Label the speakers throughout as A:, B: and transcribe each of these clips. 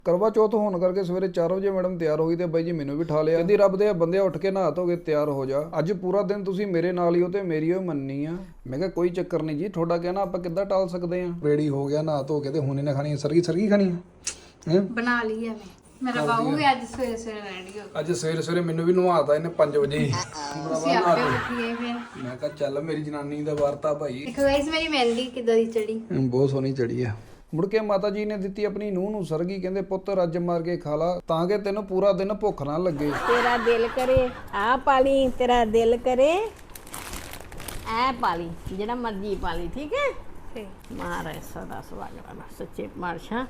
A: ਕਰਵਾ ਚੌਥ ਹੋਣ ਕਰਕੇ ਸਵੇਰੇ 4 ਵਜੇ ਮੈਡਮ ਤਿਆਰ ਹੋ ਗਈ ਤੇ ਬਾਈ ਜੀ ਮੈਨੂੰ ਵੀ ਠਾ ਲਿਆ। ਕਹਿੰਦੀ ਰੱਬ ਦੇ ਬੰਦੇ ਉੱਠ ਕੇ ਨਹਾ ਧੋ ਕੇ ਤਿਆਰ ਹੋ ਜਾ, ਅੱਜ ਪੂਰਾ ਦਿਨ ਤੁਸੀਂ ਮੇਰੇ ਨਾਲ ਹੀ ਹੋ ਤੇ ਮੇਰੀ ਉਹ ਮੰਨਣੀ ਆ। ਮੈਂ ਕਿਹਾ ਕੋਈ ਚੱਕਰ ਨਹੀਂ ਜੀ, ਤੁਹਾਡਾ ਕਹਿਣਾ ਆਪਾਂ ਕਿੱਦਾਂ ਟਾਲ ਸਕਦੇ ਆ। ਰੈਡੀ ਹੋ ਗਿਆ ਨਹਾ ਧੋ ਕੇ ਤੇ ਹੁਣ ਇਹਨੇ ਖਾਣੀ ਸਰਗੀ ਖਾਣੀ ਹੈ
B: ਬਣਾ ਲਈ ਐ ਮੇਰਾ ਬਾਬੂ ਵੀ ਅੱਜ ਸਵੇਰੇ ਸਵੇਰੇ ਰੈਡੀ ਹੋ ਗਿਆ।
A: ਅੱਜ ਸਵੇਰੇ ਸਵੇਰੇ ਮੈਨੂੰ ਵੀ ਨਵਾਤਾ ਇਹਨੇ 5 ਵਜੇ।
B: ਤੁਸੀਂ ਆਪੇ ਉੱਠੀਏ ਫਿਰ।
A: ਮੈਂ ਕਿਹਾ ਚੱਲ ਮੇਰੀ ਜਨਾਨੀ ਦਾ ਵਾਰਤਾ ਭਾਈ।
B: ਦੇਖੋ ਗਾਇਸ ਮੇਰੀ ਮਹਿੰਦੀ ਕਿੱਦਾਂ ਦੀ ਚੜੀ,
A: ਬਹੁਤ ਸੋਹਣੀ ਚੜੀ ਆ। ਮੁੜ ਕੇ ਮਾਤਾ ਜੀ ਨੇ ਦਿੱਤੀ ਆਪਣੀ ਨੂੰਹ ਨੂੰ ਸਰਗੀ, ਕਹਿੰਦੇ ਪੁੱਤ ਰੱਜ ਮਾਰ ਕੇ ਖਾ ਲਾ ਤਾਂ ਕਿ ਤੈਨੂੰ ਪੂਰਾ ਦਿਨ ਭੁੱਖ ਨਾ ਲੱਗੇ।
C: ਤੇਰਾ ਦਿਲ ਕਰੇ ਆ ਪਾਲੀ, ਤੇਰਾ ਦਿਲ ਕਰੇ ਐ ਪਾਲੀ, ਜਿਹੜਾ ਮਰਜੀ ਪਾਲੀ, ਠੀਕ ਹੈ।
B: ਤੇ
C: ਮਹਾਰਾਜ ਸਦਾ ਸੁਹਾਗਣਾ ਸੱਚੇ ਪਾਤਸ਼ਾਹ।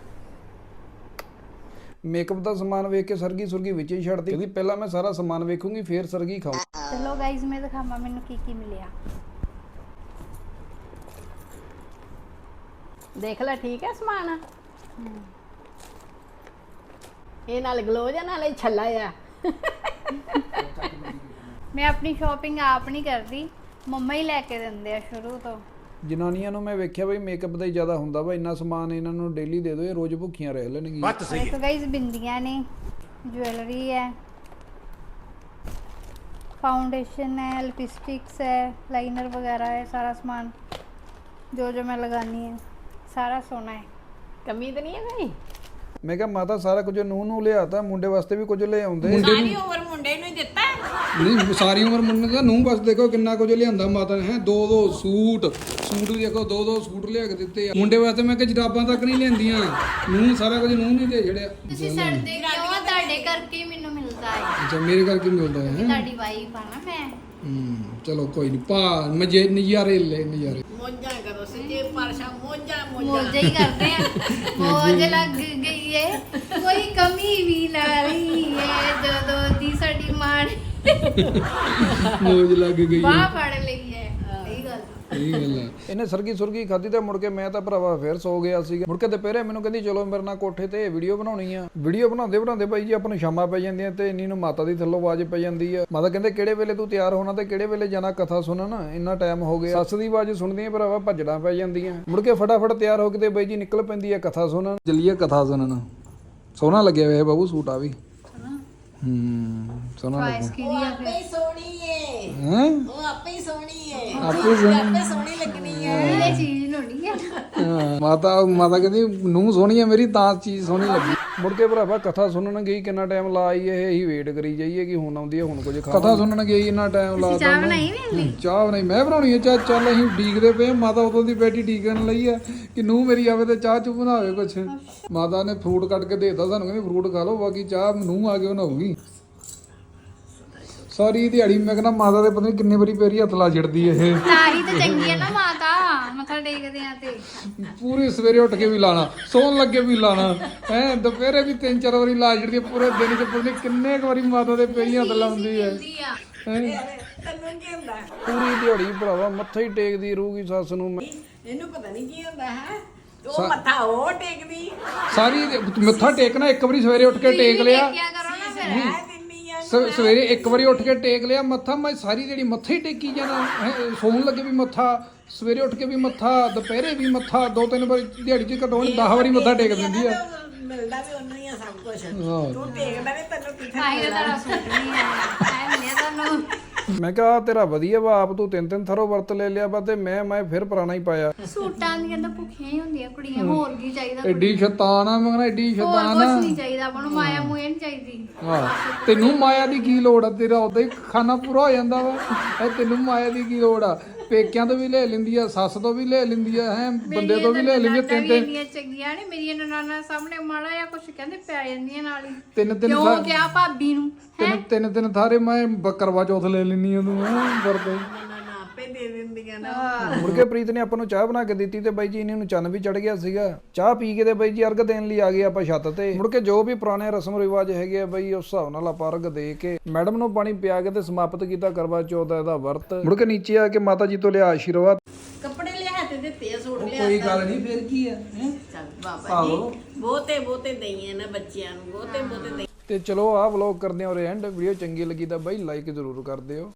A: ਮੇਕਅਪ ਦਾ ਸਮਾਨ ਵੇਖ ਕੇ ਸਰਗੀ ਸੁਰਗੀ ਵਿੱਚ ਹੀ ਛੱਡਦੀ, ਕਹਿੰਦੀ ਪਹਿਲਾਂ ਮੈਂ ਸਾਰਾ ਸਮਾਨ ਵੇਖੂੰਗੀ ਫੇਰ ਸਰਗੀ ਖਾਊਂ।
B: ਚਲੋ ਗਾਇਸ ਮੈਂ ਦਿਖਾਵਾਂ ਮੈਨੂੰ ਕੀ ਮਿਲਿਆ।
C: ਦੇਖ ਲੈ, ਠੀਕ ਹੈ ਸਮਾਨ। ਇਹ ਨਾਲ ਗਲੋਜ ਆ, ਨਾਲੇ ਛੱਲਾ ਆ।
B: ਮੈਂ ਆਪਣੀ ਸ਼ਾਪਿੰਗ ਆਪ ਨਹੀਂ ਕਰਦੀ, ਮੰਮਾ ਹੀ ਲੈ ਕੇ ਦਿੰਦੇ ਆ ਸ਼ੁਰੂ ਤੋਂ।
A: ਜਨਾਨੀਆਂ ਨੂੰ ਮੈਂ ਵੇਖਿਆ ਬਈ ਮੇਕਅਪ ਦਾ ਹੀ ਜ਼ਿਆਦਾ ਹੁੰਦਾ ਵਾ, ਇੰਨਾ ਸਮਾਨ ਇਹਨਾਂ ਨੂੰ ਡੇਲੀ ਦੇ ਦਿਓ, ਇਹ ਰੋਜ਼ ਭੁੱਖੀਆਂ ਰਹਿ ਲੈਣਗੀਆਂ।
B: ਦੇਖੋ ਗਾਇਸ ਬਿੰਦੀਆਂ ਨੇ, ज्वेलरी है, फाउंडेशन है, लिपस्टिक्स है, लाइनर वगैरह है, सारा सामान जो मैं लगानी है सारा सोना है।
C: ਕਮੀ ਤਾਂ ਨਹੀਂ ਹੈ ਕੋਈ।
A: ਮੈਂ ਕਿਹਾ ਮਾਤਾ ਸਾਰਾ ਕੁਝ ਨੂੰਹ ਨੂੰ ਲਿਆਤਾ, ਮੁੰਡੇ ਵਾਸਤੇ ਵੀ ਕੁਝ ਲੈ ਆਉਂਦੇ।
C: ਸਾਰੀ ਉਮਰ ਮੁੰਡੇ ਨੂੰ ਹੀ ਦਿੱਤਾ।
A: ਨਹੀਂ ਸਾਰੀ ਉਮਰ ਮੁੰਡੇ ਦਾ ਨੂੰਹ ਬਸ ਦੇਖੋ ਕਿੰਨਾ ਕੁਝ ਲਿਆਂਦਾ ਮਾਤਾ ਨੇ। ਦੋ ਸੂਟ ਵੀ ਦੇਖੋ, ਦੋ ਸੂਟ ਲਿਆ ਕੇ ਦਿੱਤੇ ਆ ਮੁੰਡੇ ਵਾਸਤੇ। ਮੈਂ ਕਿਹਾ ਜਰਾਬਾਂ ਤੱਕ ਨਹੀਂ ਲਿਆਂਦੀਆਂ, ਨੂੰਹ ਸਾਰਾ ਕੁਝ ਨੂੰਹ ਨਹੀਂ ਦੇ ਛੜਿਆ।
B: ਤੁਸੀਂ ਸੜਦੇ ਕਿਉਂ ਆ? ਤੁਹਾਡੇ ਕਰਕੇ ਮੈਨੂੰ ਮਿਲਦਾ ਹੈ।
A: ਅੱਛਾ ਮੇਰੇ ਕਰਕੇ ਮਿਲਦਾ ਹੈ।
B: ਤੁਹਾਡੀ ਵਾਈਫ ਆ ਨਾ ਮੈਂ।
A: ਚਲੋ ਕੋਈ ਨਹੀਂ ਪਾ ਮਜੇ ਨਜ਼ਾਰੇ ਲੈ ਨਜ਼ਾਰੇ।
C: ਮੋਜਾਂ ਕਰੋ ਸੱਚੇ ਪਾਤਸ਼ਾਹ, ਮੋਜਾਂ
B: ਮੋਜੇ ਹੀ ਕਰਦੇ ਆ। ਮੋਜ ਲੱਗ ਗਈ ਏ, ਕੋਈ ਕਮੀ ਵੀ ਨਾ ਰਹੀ ਏ, ਜਦੋਂ ਦੀ ਸਾਡੀ ਮਾਂ ਨੇ
A: ਮੋਜ ਲੱਗ ਗਈ
B: ਬਾਹ ਫੜ ਲਈ ਏ। ਸਹੀ ਗੱਲ।
A: ਇਹ ਗੱਲ ਹੈ। ਇਹਨੇ ਸਰਗੀ ਸੁਰਗੀ ਖਾਧੀ ਤੇ ਮੁੜ ਕੇ ਮੈਂ ਤਾਂ ਭਰਾਵਾ ਫੇਰ ਸੋ ਗਿਆ ਸੀਗਾ। ਮੁੜ ਕੇ ਦੁਪਹਿਰੇ ਮੈਨੂੰ ਕਹਿੰਦੀ ਚਲੋ ਮੇਰੇ ਨਾਲ ਕੋਠੇ ਤੇ ਵੀਡੀਓ ਬਣਾਉਣੀ ਆ। ਵੀਡੀਓ ਬਣਾਉਂਦੇ ਬਾਈ ਜੀ ਆਪਾਂ ਨੂੰ ਸ਼ਾਮਾਂ ਪੈ ਜਾਂਦੀਆਂ ਤੇ ਇੰਨੀ ਨੂੰ ਮਾਤਾ ਦੀ ਥੱਲੋਂ ਆਵਾਜ਼ ਪੈ ਜਾਂਦੀ ਆ। ਮਾਤਾ ਕਹਿੰਦੇ ਕਿਹੜੇ ਵੇਲੇ ਤੂੰ ਤਿਆਰ ਹੋਣਾ ਤੇ ਕਿਹੜੇ ਵੇਲੇ ਜਾਣਾ ਕਥਾ ਸੁਣਨ, ਇੰਨਾ ਟਾਈਮ ਹੋ ਗਿਆ। ਸੱਸ ਦੀ ਆਵਾਜ਼ ਸੁਣਦੀਆਂ ਭਰਾਵਾ ਭੱਜਣਾ ਪੈ ਜਾਂਦੀਆਂ। ਮੁੜ ਕੇ ਫਟਾਫਟ ਤਿਆਰ ਹੋ ਕੇ ਤੇ ਬਾਈ ਜੀ ਨਿਕਲ ਪੈਂਦੀ ਆ ਕਥਾ ਸੁਣਨ। ਚੱਲੀਏ ਕਥਾ ਸੁਣਨ। ਸੋਹਣਾ ਲੱਗਿਆ ਹੋਇਆ ਬਾਬੂ ਸੂਟ ਆ ਵੀ। ਸੋਹਣਾ ਲੱਗਿਆ।
B: ਕਿਹਦੀ ਆ ਫਿਰ?
C: ਆਪੇ ਸੋਹਣੀ ਏ,
A: ਹੈ
C: ਉਹ ਆਪੇ ਹੀ ਸੋਹਣੀ ਏ,
A: ਆਪੇ
C: ਸੋਹਣੀ ਲੱਗਣੀ ਏ।
B: ਇਹ ਚੀਜ਼ ਹੋਣੀ ਆ।
A: ਮਾਤਾ ਕਹਿੰਦੀ ਨੂੰਹ ਸੋਹਣੀ ਹੈ ਮੇਰੀ ਤਾਂ ਚੀਜ਼ ਸੋਹਣੀ ਲੱਗੀ। ਮੁੜ ਕੇ ਭਰਾਵਾ ਕਥਾ ਸੁਣਨ ਗਈ, ਕਿੰਨਾ ਟਾਈਮ ਲਾ ਆਈ ਇਹ, ਅਸੀਂ ਵੇਟ ਕਰੀ ਜਾਈਏ ਕਿ ਹੁਣ ਆਉਂਦੀ ਹੈ ਹੁਣ ਕੁਝ ਖਾ। ਕਥਾ ਸੁਣਨ ਗਈ ਇੰਨਾ ਟਾਈਮ ਲਾ
B: ਚਾਹ ਬਣਾਈ ਵੀ?
A: ਚਾਹ ਬਣਾਈ ਮੈਂ ਬਣਾਉਣੀ ਹੈ ਚਾਹ। ਚੱਲ ਅਸੀਂ ਡੀਕਦੇ ਪਏ, ਮਾਤਾ ਉਦੋਂ ਦੀ ਬੈਠੀ ਡੀਕਣ ਲਈ ਆ ਕਿ ਨੂੰਹ ਮੇਰੀ ਆਵੇ ਤੇ ਚਾਹ ਚੁ ਬਣਾਵੇ ਕੁਛ। ਮਾਤਾ ਨੇ ਫਰੂਟ ਕੱਟ ਕੇ ਦੇਤਾ ਸਾਨੂੰ, ਕਹਿੰਦੀ ਫਰੂਟ ਖਾ ਲਓ, ਬਾਕੀ ਚਾਹ ਨੂੰਹ ਆ ਕੇ ਬਣਾਉਗੀ। ਸਾਰੀ ਦਿਹਾੜੀ ਮੈਂ ਕਹਿੰਦਾ ਮਾਤਾ ਦੇ ਪਤਾ ਨਹੀਂ ਕਿੰਨੇ ਵਾਰੀ ਪੈਰੀ ਹੱਥ ਲਾ ਛੱਡਦੀ ਇਹ।
B: ਤਾਂ ਹੀ ਤਾਂ ਚੰਗੀ ਹੈ ਨਾ ਮਾਤਾ, ਮੱਥਾ ਟੇਕਦੇ ਆ ਤੇ।
A: ਪੂਰੀ ਸਵੇਰੇ ਉੱਠ ਕੇ ਵੀ ਲਾਣਾ, ਸੌਣ ਲੱਗੇ ਵੀ ਲਾਣਾ, ਹੈ ਦੁਪਹਿਰੇ ਵੀ 3-4 ਵਾਰੀ ਲਾ ਛੱਡਦੀ ਹੈ। ਪੂਰੇ ਦਿਨ ਚ ਪਤਾ ਨਹੀਂ ਕਿੰਨੇ ਕੁ ਵਾਰੀ ਮਾਤਾ ਦੇ ਪੈਰੀ ਹੱਥ ਲਾਉਂਦੀ ਹੈ।
C: ਤੈਨੂੰ ਕੀ ਹੁੰਦਾ?
A: ਪੂਰੀ ਦਿਹਾੜੀ ਭਰਾਵਾ ਮੱਥਾ ਹੀ ਟੇਕਦੀ ਰਹੂਗੀ ਸੱਸ ਨੂੰ।
C: ਇਹਨੂੰ ਪਤਾ ਨਹੀਂ ਕੀ ਹੁੰਦਾ ਹੈ, ਉਹ ਮੱਥਾ ਉਹ ਟੇਕਦੀ।
A: ਸਾਰੀ ਮੱਥਾ ਟੇਕਣਾ ਇੱਕ ਵਾਰੀ ਸਵੇਰੇ ਉੱਠ ਕੇ ਟੇਕ ਲਿਆ।
B: ਕੀ ਕਰੋ ਨਾ ਫਿਰ।
C: ਮੈਂ ਦਿੰਨੀ ਆ
A: ਸਵੇਰੇ ਇੱਕ ਵਾਰੀ ਉੱਠ ਕੇ ਟੇਕ ਲਿਆ ਮੱਥਾ, ਮੈਂ ਸਾਰੀ ਜਿਹੜੀ ਮੱਥਾ ਹੀ ਟੇਕੀ ਜਾਣਾ। ਸੌਣ ਲੱਗੇ ਵੀ ਮੱਥਾ, ਸਵੇਰੇ ਉੱਠ ਕੇ ਵੀ ਮੱਥਾ, ਦੁਪਹਿਰੇ ਵੀ ਮੱਥਾ, 2-3 ਵਾਰੀ ਦਿਹਾੜੀ 'ਚ ਘੱਟੋ ਘੱਟ 10 ਵਾਰੀ ਮੱਥਾ ਟੇਕ ਦਿੰਦੀ ਆ।
C: ਮਿਲਦਾ ਵੀ ਉਹਨੂੰ ਹੀ ਆ ਸਭ ਕੁਝ। ਤੂੰ ਟੇਕਦਾ ਨਹੀਂ, ਤੈਨੂੰ ਕਿੱਥੇ
B: ਆਈ ਤਾਂ ਸੂਟ ਨਹੀਂ ਹੈ ਮਿਲਿਆ ਤੁਹਾਨੂੰ।
A: ਮੈਂ ਕਿਹਾ ਤੇਰਾ ਵਧੀਆ ਵਾ, ਆਪ ਤੂੰ 3-3 ਥਰੋ ਵਰਤ ਲੈ ਲਿਆ ਵਾ ਤੇ ਮੈਂ ਫਿਰ ਪੁਰਾਣਾ ਹੀ ਪਾਇਆ।
B: ਸੂਟਾਂ ਦੀਆਂ ਤਾਂ ਭੁੱਖੀਆਂ ਹੀ ਹੁੰਦੀਆਂ ਕੁੜੀਆਂ, ਹੋਰ ਕੀ ਚਾਹੀਦਾ?
A: ਐਡੀ ਸ਼ੈਤਾਨ ਆ ਮੈਂ ਕਹਿੰਦਾ, ਐਡੀ
B: ਹੋਰ
A: ਸ਼ੈਤਾਨ
B: ਕੁਝ
A: ਆ।
B: ਨਹੀਂ ਚਾਹੀਦਾ ਆਪਾਂ ਨੂੰ, ਮਾਇਆ ਮੂਇਆ ਨਹੀਂ ਚਾਹੀਦੀ।
A: ਤੈਨੂੰ ਮਾਇਆ ਦੀ ਕੀ ਲੋੜ ਆ? ਤੇਰਾ ਉਦਾਂ ਹੀ ਖਾਣਾ ਪੂਰਾ ਹੋ ਜਾਂਦਾ ਵਾ। ਤੈਨੂੰ ਮਾਇਆ ਦੀ ਕੀ ਲੋੜ ਆ? ਪੇਕਿਆਂ ਤੋਂ ਵੀ ਲੈ ਲੈਂਦੀ ਆ, ਸੱਸ ਤੋਂ ਵੀ ਲੈ ਲੈਂਦੀ ਆ, ਹੈ ਬੰਦੇ ਤੋਂ ਵੀ ਲੈ ਲੈਂਦੀ ਆ।
B: ਇੰਨੀਆਂ ਚੰਗੀਆਂ ਨੇ ਮੇਰੀਆਂ ਨਨਾਣਾ ਸਾਹਮਣੇ ਮਾੜਾ ਜਾਂ ਕੁਝ ਕਹਿੰਦੇ ਪੈ ਜਾਂਦੀਆਂ ਨਾਲ ਹੀ।
A: ਤਿੰਨ
B: ਕਿਉਂ ਕਿਹਾ ਭਾਬੀ ਨੂੰ?
A: ਤਿੰਨ ਥਾਰੇ ਮੈਂ ਕਰਵਾ ਚੌਥ ਲੈ ਲੈਣੀ ਆ ਤੂੰ ਵਰਤੇ।
C: ਆਪੇ ਦੇ ਦਿੰਦੀਆਂ ਨਾ।
A: ਮੁੜ ਕੇ ਪ੍ਰੀਤ ਨੇ ਆਪਾਂ ਨੂੰ ਚਾਹ ਬਣਾ ਕੇ ਦਿੱਤੀ ਤੇ ਬਾਈ ਜੀ ਇਹਨਾਂ ਨੂੰ ਚੰਨ ਵੀ ਚੜ ਗਿਆ ਸੀਗਾ। ਚਾਹ ਪੀ ਕੇ ਤੇ ਬਾਈ ਜੀ ਅਰਗ ਦੇਣ ਲਈ ਆ ਗਏ ਆਪਾਂ ਛੱਤ ਤੇ। ਮੁੜ ਕੇ ਜੋ ਵੀ ਪੁਰਾਣੇ ਰਸਮ ਰਿਵਾਜ ਹੈਗੇ ਆ ਬਾਈ ਉਸ ਹਿਸਾਬ ਨਾਲ ਆਪਾਂ ਅਰਗ ਦੇ ਕੇ ਮੈਡਮ ਨੂੰ ਪਾਣੀ ਪਿਆ ਕੇ ਤੇ ਸਮਾਪਤ ਕੀਤਾ ਕਰਵਾ ਚੌਥ ਦਾ ਇਹਦਾ ਵਰਤ। ਮੁੜ ਕੇ ਨੀਚੇ ਆ ਕੇ ਮਾਤਾ ਜੀ ਤੋਂ ਲਿਆ ਆਸ਼ੀਰਵਾਦ।
C: ਕੱਪੜੇ ਲਿਆ ਤੇ ਦਿੱਤੇ ਆ, ਸੂਟ ਲਿਆ।
A: ਕੋਈ ਗੱਲ ਨਹੀਂ ਫਿਰ ਕੀ ਆ।
C: ਚੱਲ ਬਾਬਾ ਜੀ ਬਹੁਤੇ ਦਈਏ ਨਾ ਬੱਚਿਆਂ ਨੂੰ, ਬਹੁਤੇ ਦਈਏ।
A: ਤੇ ਚਲੋ ਆਹ ਵਲੌਗ ਕਰਦੇ ਹਾਂ ਔਰ ਐਂਡ। ਵੀਡੀਓ ਚੰਗੀ ਲੱਗੀ ਤਾਂ ਬਾਈ ਲਾਈਕ ਜ਼ਰੂਰ ਕਰ ਦਿਓ।